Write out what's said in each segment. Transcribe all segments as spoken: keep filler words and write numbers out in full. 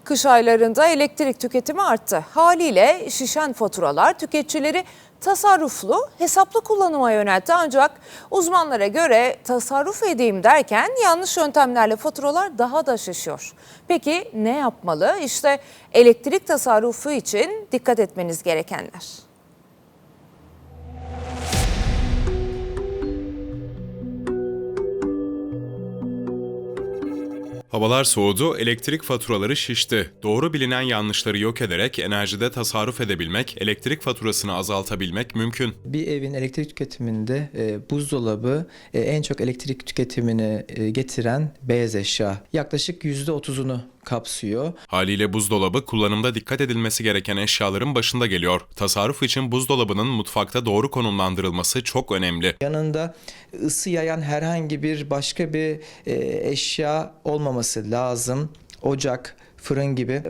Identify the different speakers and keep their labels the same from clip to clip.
Speaker 1: Kış aylarında elektrik tüketimi arttı. Haliyle şişen faturalar tüketicileri tasarruflu, hesaplı kullanıma yöneltti. Ancak uzmanlara göre tasarruf edeyim derken yanlış yöntemlerle faturalar daha da şişiyor. Peki ne yapmalı? İşte elektrik tasarrufu için dikkat etmeniz gerekenler.
Speaker 2: Havalar soğudu, elektrik faturaları şişti. Doğru bilinen yanlışları yok ederek enerjide tasarruf edebilmek, elektrik faturasını azaltabilmek mümkün.
Speaker 3: Bir evin elektrik tüketiminde e, buzdolabı e, en çok elektrik tüketimini e, getiren beyaz eşya. Yaklaşık yüzde otuzunu kapsıyor.
Speaker 2: Haliyle buzdolabı kullanımda dikkat edilmesi gereken eşyaların başında geliyor. Tasarruf için buzdolabının mutfakta doğru konumlandırılması çok önemli.
Speaker 3: Yanında ısı yayan herhangi bir başka bir e, eşya olmaması lazım. Ocak, fırın gibi.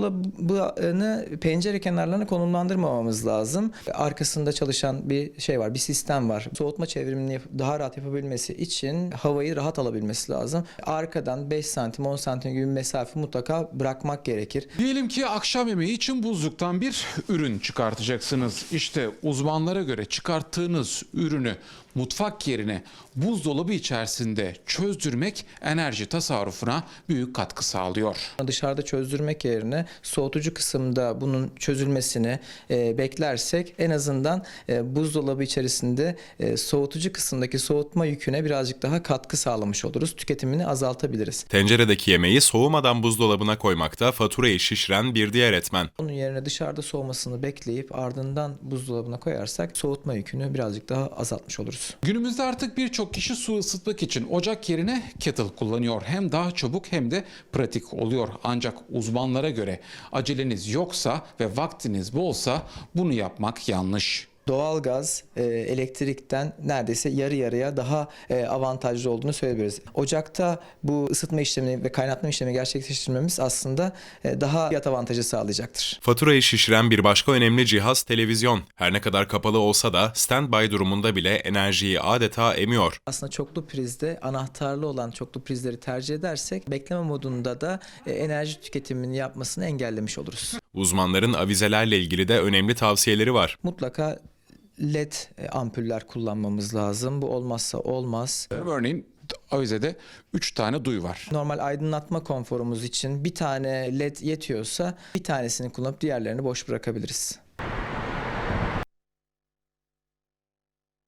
Speaker 3: Buzdolabını pencere kenarlarına konumlandırmamamız lazım. Arkasında çalışan bir şey var, bir sistem var. Soğutma çevrimini daha rahat yapabilmesi için havayı rahat alabilmesi lazım. Arkadan beş santim, on santim gibi bir mesafe mutlaka bırakmak gerekir.
Speaker 4: Diyelim ki akşam yemeği için buzluktan bir ürün çıkartacaksınız. İşte uzmanlara göre çıkarttığınız ürünü mutfak yerine buzdolabı içerisinde çözdürmek enerji tasarrufuna büyük katkı sağlıyor.
Speaker 3: Dışarıda çözdürmek yerine soğutucu kısımda bunun çözülmesini e, beklersek en azından e, buzdolabı içerisinde e, soğutucu kısımdaki soğutma yüküne birazcık daha katkı sağlamış oluruz. Tüketimini azaltabiliriz.
Speaker 2: Tenceredeki yemeği soğumadan buzdolabına koymakta faturayı şişiren bir diğer etmen.
Speaker 3: Onun yerine dışarıda soğumasını bekleyip ardından buzdolabına koyarsak soğutma yükünü birazcık daha azaltmış oluruz.
Speaker 4: Günümüzde artık birçok kişi su ısıtmak için ocak yerine kettle kullanıyor. Hem daha çabuk hem de pratik oluyor. Ancak uzmanlara göre aceleniz yoksa ve vaktiniz bolsa bunu yapmak yanlış.
Speaker 3: Doğalgaz e, elektrikten neredeyse yarı yarıya daha e, avantajlı olduğunu söyleyebiliriz. Ocakta bu ısıtma işlemini ve kaynatma işlemini gerçekleştirmemiz aslında e, daha fiyat avantajı sağlayacaktır.
Speaker 2: Faturayı şişiren bir başka önemli cihaz televizyon. Her ne kadar kapalı olsa da standby durumunda bile enerjiyi adeta emiyor.
Speaker 3: Aslında çoklu prizde anahtarlı olan çoklu prizleri tercih edersek bekleme modunda da e, enerji tüketimini yapmasını engellemiş oluruz.
Speaker 2: Uzmanların avizelerle ilgili de önemli tavsiyeleri var.
Speaker 3: Mutlaka led ampuller kullanmamız lazım. Bu olmazsa olmaz.
Speaker 4: Örneğin avizede üç tane duy var.
Speaker 3: Normal aydınlatma konforumuz için bir tane led yetiyorsa bir tanesini kullanıp diğerlerini boş bırakabiliriz.